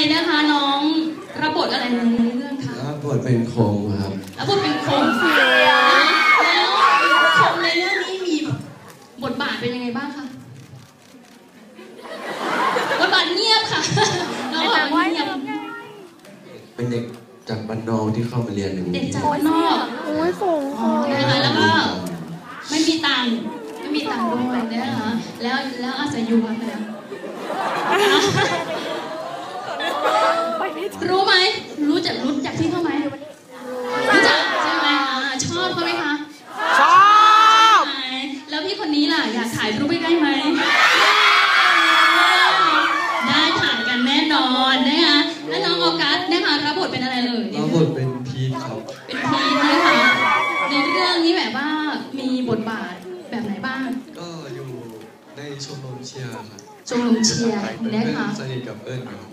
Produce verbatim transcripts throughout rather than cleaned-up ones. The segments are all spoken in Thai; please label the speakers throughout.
Speaker 1: นะคะน้องรับบทอะไรในเรื่องคะ
Speaker 2: รับบทเป็นโคงครับ
Speaker 1: รับบทเป็นโคงแล้วโคงในเรื่องนี้มีบทบาทเป็นยังไงบ้างคะบทบาทเงียบค่ะน้องบอกว่าเงียบ
Speaker 2: เป็นเด็กจากบ้านนอกที่เข้ามาเรียนใน
Speaker 1: เด็กจากบ้านนอก
Speaker 3: โอ้ยสูง
Speaker 1: นะคะแล้วก็ไม่มีตังค์ไม่มีตังค์ด้วยนะคะแล้วแล้วอาศัยอยู่กันแล้วรู้ไหมรู้จักรู้จักที่เขาไหมรู้จักใช่ไหมชอบเขาไหมคะ
Speaker 3: ชอบ
Speaker 1: แล้วพี่คนนี้ล่ะอยากถ่ายรูปได้ไหมได้ถ่ายกันแน่นอนนะคะแล้วน้องออกัสนะคะรับบทเป็นอะไรเลย
Speaker 2: รับบทเป็นพีทครับ
Speaker 1: เป็นพีทนะคะในเรื่องนี้แบบว่ามีบทบาทแบบไหนบ้าง
Speaker 2: ก็อยู่ในชมรมเชียร์ครับ
Speaker 1: ชมรมเชียร์นะคะ
Speaker 2: สนิทกับเอิญครับ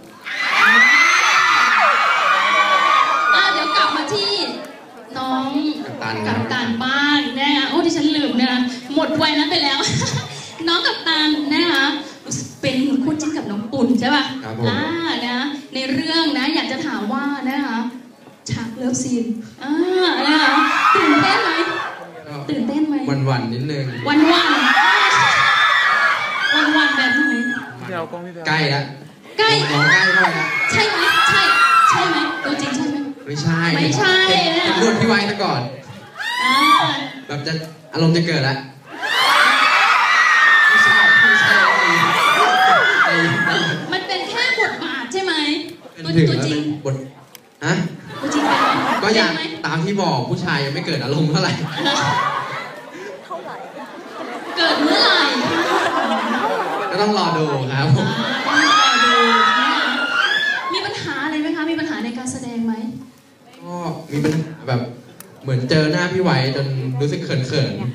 Speaker 1: เดี๋ยวกลับมาที่น้องกัปตันบ้างนะคะโอ้ที่ฉันลืมนะคะหมดวัยนั้นไปแล้วน้องกัปตันนะคะเป็นคู่จิ้นกับน้องปุ่นใช่ป่ะอ่านะในเรื่องนะอยากจะถามว่านะคะฉากเลิฟซีนอ่านะคะตื่นเต้นไหมตื่นเต้นไหม
Speaker 2: วันวันนิดนึง
Speaker 1: วันวันวันวันแบบไหน
Speaker 2: ใกล้แล้ว
Speaker 1: ใกล้
Speaker 2: น้องใกล้ด้วยนะ
Speaker 1: ใช่ไหมใช่ใช่ไหมตัวจริงใช่ไหม
Speaker 2: ไม่ใช่
Speaker 1: ไม่ใช่
Speaker 2: เป็นรุ่นพี่ไว้ซะก่อนแบบจะอารมณ์จะเกิดแล้วไม่ใช่ไม่ใช่
Speaker 1: มันเป็นแค่บทบาทใช่ไหมตัวตัวจริง
Speaker 2: บทฮะ
Speaker 1: ตัวจริง
Speaker 2: ก็อย่างตามที่บอกผู้ชายยังไม่เกิดอารมณ์เท่าไหร่
Speaker 1: เกิดเมื่อไหร่
Speaker 2: ก็ต้องรอดูครับ
Speaker 1: ต้องรอดูมีปัญหาอะไรไหมคะมีปัญหาในการแสดงไหม
Speaker 2: ก็มีปัญหาแบบเหมือนเจอหน้าพี่ไว้จนรู้สึกเขินเขิน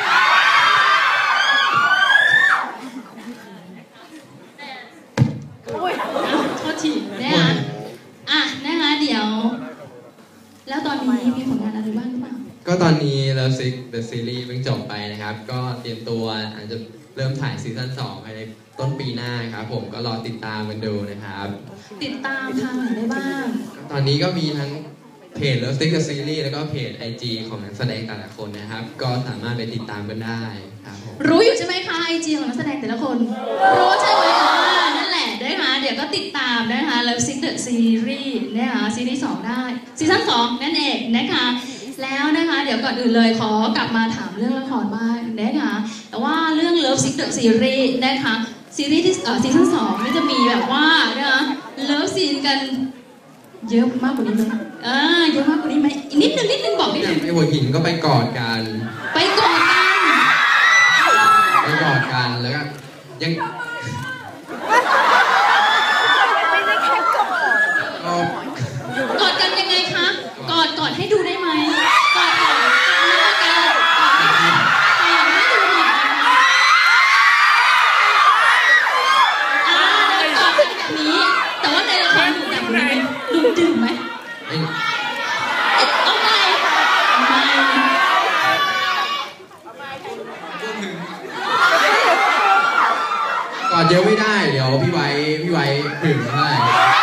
Speaker 1: โทษทีนะคะอ่ะนะคะเดี๋ยวแล้วตอนนี้มีผลงานอะไรบ้างหรือเปล่า
Speaker 2: ก็ตอนนี้ Love Sick The Series เพิ่งจบไปนะครับก็เตรียมตัวอาจจะเริ่มถ่ายซีซั่นสองภายในต้นปีหน้าครับผมก็รอติดตามกันดูนะครับ
Speaker 1: ติดตามทางไหนได้บ้าง
Speaker 2: ตอนนี้ก็มีทั้งเพจ Love Sick The Series แล้วก็เพจ ไอ จี ของนักแสดงแต่ละคนนะครับก็สามารถไปติดตามกันได้ครับผม
Speaker 1: รู้อยู่ใช่ไหมคะ ไอ จี ของนักแสดงแต่ละคนรู้ใช่ไหมคะนั่นแหละนะคะเดี๋ยวก็ติดตามนะคะ Love Sick The Series นะคะซีรีส์สองได้ซีซั่นสองนั่นเองนะคะแล้วนะคะเดี๋ยวก่อนอื่นเลยขอกลับมาถามเรื่องละครบ้างนะคะแต่ว่าเรื่อง Love Sick The Series นะคะซีรีส์ที่ซีซั่นสองนี่จะมีแบบว่านะคะเลิฟซีนกันเยอะมากกว่านี้ไหมอ่าเยอะมากกว่านี้ไหมอีกนิดนึงนิดนึงบอกนิดนึง
Speaker 2: ไอ้หัวหินก็ไปกอดกัน
Speaker 1: ไปกอดกัน
Speaker 2: ไปกอดกันแล้วก็ยัง
Speaker 1: กอดกันยังไงคะกอดกอดให้ดูได้ไหมกอดกอดแล้วกันกอดให้ดูหน่อยอ่ากอดแบบนี้แต่ว่าในละครดูแบบนี้ดูดื่มไหมเอาไงไม่
Speaker 2: กอดเยอะไม่ได้เดี๋ยวพี่ไว้พี่ไว้ถึงได้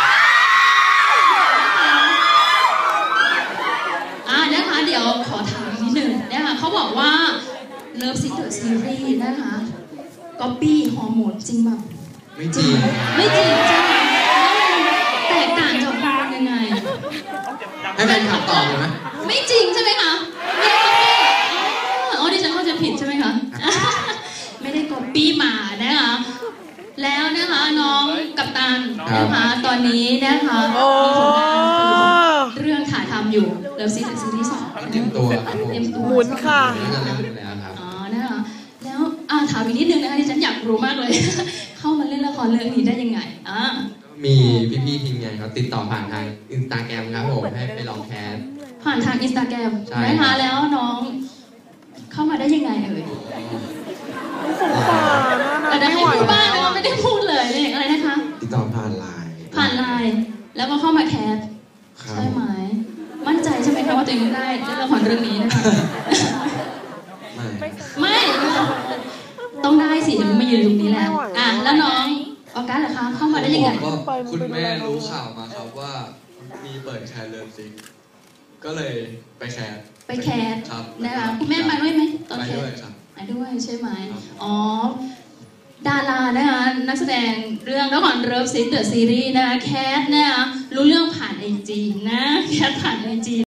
Speaker 1: เดี๋ยวขอถามนิดนึงนะคะเขาบอกว่า Love Sick The Series นะคะก๊อปปี้ฮอร์โมนจริงป่ะ
Speaker 2: ไม่จริง
Speaker 1: ไม่จริงใช่ไหมแตกต่างจากฮอร์โมนยังไง
Speaker 2: ให้แฟนคลับตอบเลยไหม
Speaker 1: ไม่จริงใช่ไหมคะไม่ก๊อปปี้อ๋อดิฉันเข้าใจผิดใช่ไหมคะไม่ได้ก๊อปปี้มานะคะแล้วนะคะน้องกัปตันนะคะตอนนี้นะคะมีผลงานเรื่องถ่ายทำอยู่ Love Sick The Series สอง
Speaker 2: เต็มตัว
Speaker 1: เต็มตัว
Speaker 3: หมุนค่ะ
Speaker 1: อ๋อนะคะแล้วอ่าถามอีกนิดนึงนะคะที่ฉันอยากรู้มากเลยเข้ามาเล่นละครเรื่องนี้ได้ยังไงอ่า
Speaker 2: มีพี่ๆทีมงานเขาติดต่อผ่านทาง Instagram ครับผมให้ไปลองแคส
Speaker 1: ผ่านทาง Instagram นะคะแล้วน้องเข้ามาได้ยังไงเอ่ยแต่ได้ให้พูดบ้างนะคะไม่ได้พูดเลยอะไรนะคะ
Speaker 2: ติดต่อผ่านไลน์
Speaker 1: ผ่านไลน์แล้วก็เข้ามาแคสใช่ไหมมั่นใจใช่ไหมคะว่าตัวเองได้เล่นละครเรื่องนี้นะคะ
Speaker 2: ไม่
Speaker 1: ไม่ต้องได้สิมายืนตรงนี้แล้วอ่ะแล้วน้องออกัสเหรอคะเข้ามาได้ยังไง
Speaker 4: ผมก็คุณแม่รู้ข่าวมาครับว่ามีเปิดแคสเลิฟซิกก็เลยไปแคส
Speaker 1: ไปแคส
Speaker 4: ครับ
Speaker 1: นะคะคุณแม่มาด้วยไหมตอน
Speaker 4: ไป
Speaker 1: แค
Speaker 4: ด้วย
Speaker 1: ส
Speaker 4: ครับ
Speaker 1: ไปด้วยใช่ไหม
Speaker 4: ครับ
Speaker 1: อ๋อดารานะคะนักแสดงเรื่องละครเลิฟซิกเดอะซีรีส์นะคะแคสนะคะรู้เรื่องผ่านไอจีนะแคสผ่านไอจี